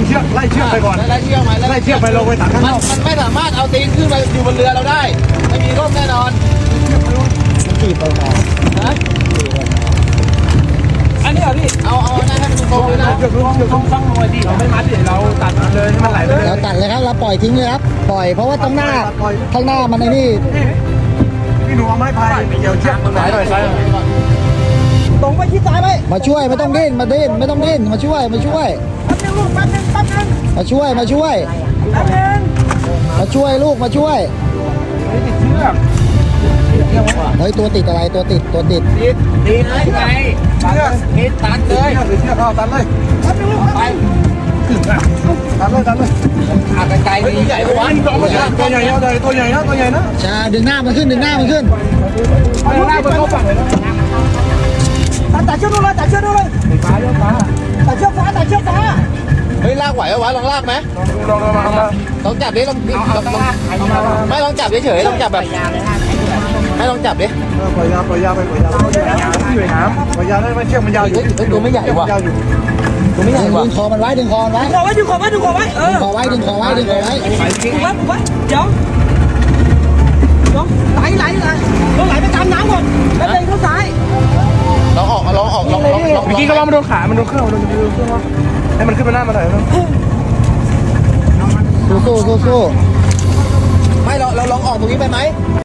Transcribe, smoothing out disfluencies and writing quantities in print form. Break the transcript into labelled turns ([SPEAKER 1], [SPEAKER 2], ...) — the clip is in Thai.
[SPEAKER 1] เชือกไล่เชือกไปก่อน
[SPEAKER 2] ไล่เชือกไหม
[SPEAKER 1] ไล่เชือกไปลงไปตักข้างนอก
[SPEAKER 2] มันไม่สามารถเอาตีนขึ้นมาอยู่บนเรือเราได้ไม่มีร่มแน่นอน
[SPEAKER 3] ขี่ไปมา
[SPEAKER 4] อันนี้เหรอพี่
[SPEAKER 2] เอาหน้าให้มันตรงเลยนะ
[SPEAKER 1] เชือกต้องฟังหน่อยดิเราไม่มัดเดี๋ยวเราตัดเลยให้มันไหลไปเลย
[SPEAKER 3] เราตัดเลยครับเราปล่อยทิ้งเลยครับปล่อยเพราะว่าข้างหน้ามันไอ้นี่
[SPEAKER 1] พี่หนูเอาไม้พายเกี่ยวเชือกตรงไหนหน่อยซ้าย
[SPEAKER 4] ตรงไปที่ซ้ายไป
[SPEAKER 3] มาช่วยไม่ต้องดิ้นไม่ต้องดิ้นมาช่วย
[SPEAKER 4] แป๊บนึงลูกแป๊บนึง
[SPEAKER 3] มาช่วย
[SPEAKER 4] แป๊บนึง
[SPEAKER 3] ลูกมาช่วย
[SPEAKER 1] ติดเชือก
[SPEAKER 3] เฮ้ยตัวติดอะไรตัวติด
[SPEAKER 2] ตีนไง
[SPEAKER 1] เชือก
[SPEAKER 2] ตีนตัดเลย
[SPEAKER 1] หรือเชือกเอาตัดเลย
[SPEAKER 4] แป๊บนึงลูกไป
[SPEAKER 1] ตัดเลย
[SPEAKER 2] ขาดไกลดีใหญ่กว่า
[SPEAKER 1] ตัวใหญ่นะ
[SPEAKER 3] ชาดึงหน้ามันขึ้น
[SPEAKER 1] หน้ามันเข้าฝั่งเลยนะ
[SPEAKER 4] ตัดเชือกดูเลยตัดเชือกดูเลยตัดเชือกฟ้า
[SPEAKER 2] เฮ้ยลากไหววะลองลากไหมลองจับดิลองไม่ลองจับเฉยๆลองจับแบบไม่ลองจับดิ
[SPEAKER 1] ปล่อยยาไปอยู่ในน้ำปล่อยยาได้ไหมเชือกมันยาวอยู่
[SPEAKER 2] ตัวไม่ใหญ่ว่ะตัวไม่ใหญ่ว่ะ
[SPEAKER 3] ดึงคอมันไว้
[SPEAKER 4] ดึงคอไว้ดึงคอไว้
[SPEAKER 3] ดึงคอไว้เดี๋ยว
[SPEAKER 4] ไหลไปตามน้ำก่อนแล้วเดินเข้าซ้าย
[SPEAKER 2] ลองออก
[SPEAKER 1] เมื่อกี้ก็ว่ามันโดนขามันโดนเครื่องให้มันขึ้นมาหน้ามาหน่อย
[SPEAKER 3] สู้
[SPEAKER 2] ไม่เราลองออกตรงนี้ไปไหม